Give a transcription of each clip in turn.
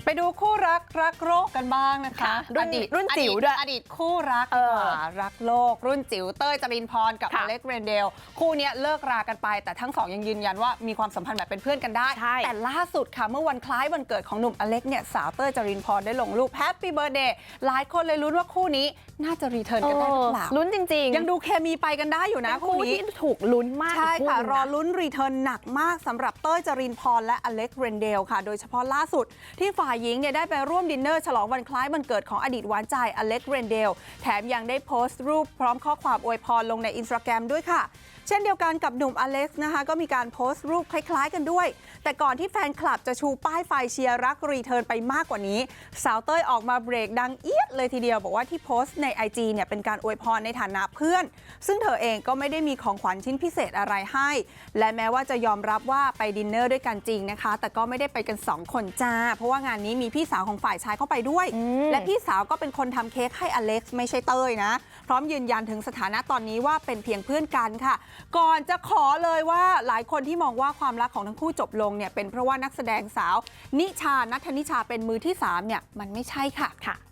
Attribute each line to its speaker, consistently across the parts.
Speaker 1: ไปดูคู่รักโรคกันบ้างนะคะ
Speaker 2: รุ่นจิ๋วด้วย
Speaker 1: อดีตคู่รักดีกว่ารักโลกรุ่นจิ๋วเต้ยจรินพรกับอเล็กเรนเดลคู่นี้เลิกรากันไปแต่ทั้งสองยังยืนยันว่ามีความสัมพันธ์แบบเป็นเพื่อนกันได้แต่ล่าสุดค่ะเมื่อวันคล้ายวันเกิดของหนุ่มอเล็กเนี่ยสาวเต้ยจรินพรได้ลงรูปแฮปปี้เบิร์ธเดย์หลายคนเลยลุ้นว่าคู่นี้น่าจะรีเทิร์นกันได้หรือเปล่า
Speaker 2: ลุ้นจริงๆ
Speaker 1: ยังดูเคมีไปกันได้อยู่นะคู่นี้
Speaker 2: ที่ถูกลุ้นมาก
Speaker 1: ใช่ค่ะรอลุ้นรีเทิร์นหนักมากสำหรับเต้ยจรินพรและอเล็กเรนเดลค่ะโดยเฉพาะล่าสุดที่ฝ่ายหญิงเนี่ยได้ไปร่วมดินเนอร์ฉลองวันคล้ายวันเกิดของอดีตหวานใจอเล็กเรนเดลแถมยังได้โพสต์รูปพร้อมข้อความอวยพรลงใน Instagram ด้วยค่ะเช่นเดียวกันกับหนุ่มอเล็กซ์นะคะก็มีการโพสต์รูปคล้ายๆกันด้วยแต่ก่อนที่แฟนคลับจะชูป้ายไฟเชียร์รักรีเทิร์นไปมากกว่านี้สาวเต้ยออกมาเบรกดังเอี๊ยดเลยทีเดียวบอกว่าที่โพสต์ใน IG เนี่ยเป็นการอวยพรในฐานะเพื่อนซึ่งเธอเองก็ไม่ได้มีของขวัญชิ้นพิเศษอะไรให้และแม้ว่าจะยอมรับว่าไปดินเนอร์ด้วยกันจริงนะคะแต่ก็ไม่ได้ไปกัน2คนจ้าเพราะว่างานนี้มีพี่สาวของฝ่ายชายเข้าไปด้วยและพี่สาวก็เป็นคนทำเค้กให้อเล็กซ์ไม่ใช่เต้ยนะพร้อมยืนยันถึงสถานะตอนนี้ว่าเป็นเพียงเพื่อนกันค่ะก่อนจะขอเลยว่าหลายคนที่มองว่าความรักของทั้งคู่จบลงเนี่ยเป็นเพราะว่านักแสดงสาวนิชานัทธนิชาเป็นมือที่3เนี่ยมันไม่ใช่ค่ะ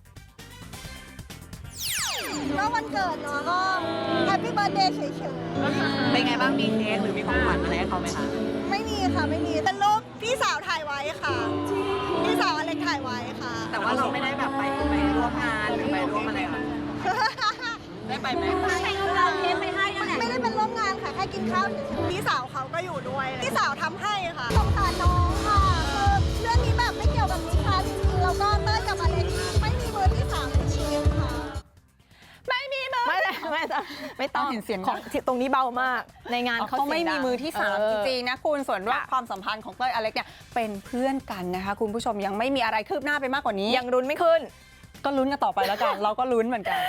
Speaker 3: ก็วันเกิดเนาะก็แฮปปี้เบิร์ธเดย์เฉยๆ
Speaker 4: เป็นไงบ้างมีเค้กหรือมีของขวัญอะไรให้เขาไหมคะ
Speaker 3: ไม่มีค่ะไม่มีเป็นรูปพี่สาวถ่ายไว้ค่ะพี่สาวอเล็กถ่ายไว้ค่ะ
Speaker 4: แต่ว่าเราไม่ได้แบบไปร่วมงานหรือไปร่วมอะไรค่ะได้ไปไหม
Speaker 3: เราเค้กไปให้ไม่ได้เป็นร่วมงานค่ะแค่กินข้าวเฉยๆพี่สาวเขาก็อยู่ด้วยพี่สาวทำให้ค่ะสงสารน้องค่ะคือเรื่องนี้แบบไม่เกี่ยวกับนิชาจริงๆแล้วก็เต้ยกับอเล็กไม่มีมือที่3ในชีวิตค่ะ
Speaker 1: ไม่มีมือ
Speaker 2: ไม่ต้อง
Speaker 1: เห็นเสียง
Speaker 2: ของตรงนี้เบามากในงานเขา
Speaker 1: ไม่มีมือที่3จริงๆนะคุณส่วนว่าความสัมพันธ์ของเต้ยอเล็กเนี่ยเป็นเพื่อนกันนะคะคุณผู้ชมยังไม่มีอะไรคืบหน้าไปมากกว่านี้
Speaker 2: ยังรุนไม่ขึ้น
Speaker 1: ก็ลุ้นกันต่อไปแล้วกันเราก็ลุ้นเหมือนกัน